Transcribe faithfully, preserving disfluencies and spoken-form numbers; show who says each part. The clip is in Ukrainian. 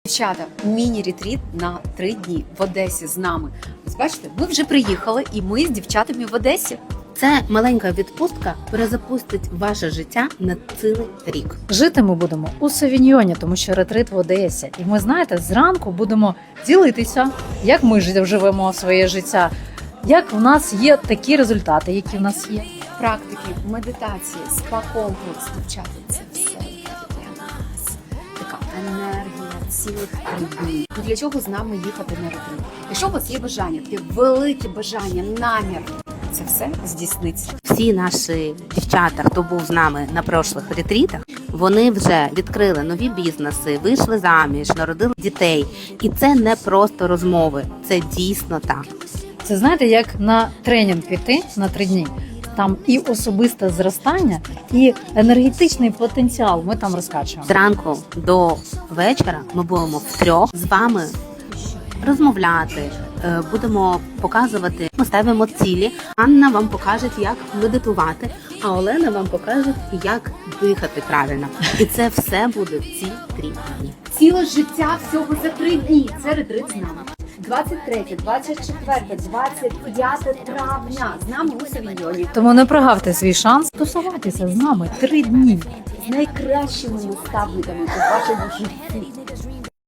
Speaker 1: Дівчата, міні-ретріт на три дні в Одесі з нами. Ось бачите, ми вже приїхали і ми з дівчатами в Одесі.
Speaker 2: Це маленька відпустка перезапустить ваше життя на цілий рік.
Speaker 3: Жити ми будемо у Савіньйоні, тому що ретрит в Одесі. І ми, знаєте, зранку будемо ділитися, як ми жи- живемо своє життя, як в нас є такі результати, які в нас є.
Speaker 1: Практики, медитації, спа-комплекс, дівчата, це все для нас. Така енергія цілих три дні. Ну, для чого з нами їхати на ретрит? Якщо у вас є бажання, таке велике бажання, намір, це все здійсниться.
Speaker 2: Всі наші дівчата, хто був з нами на прошлих ретрітах, вони вже відкрили нові бізнеси, вийшли заміж, народили дітей. І це не просто розмови, це дійсно так.
Speaker 3: Це, знаєте, як на тренінг піти на три дні. Там і особисте зростання, і енергетичний потенціал ми там розкачуємо.
Speaker 2: Зранку до вечора ми будемо втрьох з вами розмовляти, е, будемо показувати, ми ставимо цілі. Анна вам покаже, як медитувати, а Олена вам покаже, як дихати правильно. І це все буде в ці три дні.
Speaker 1: Ціле життя всього за три дні. Це ретрит з нами. двадцять третє, двадцять четверте, двадцять п'яте травня з нами у Савіньйоні.
Speaker 3: Тому не прогавте свій шанс тусуватися з нами три дні.
Speaker 1: З найкращими наставниками у вашому житті.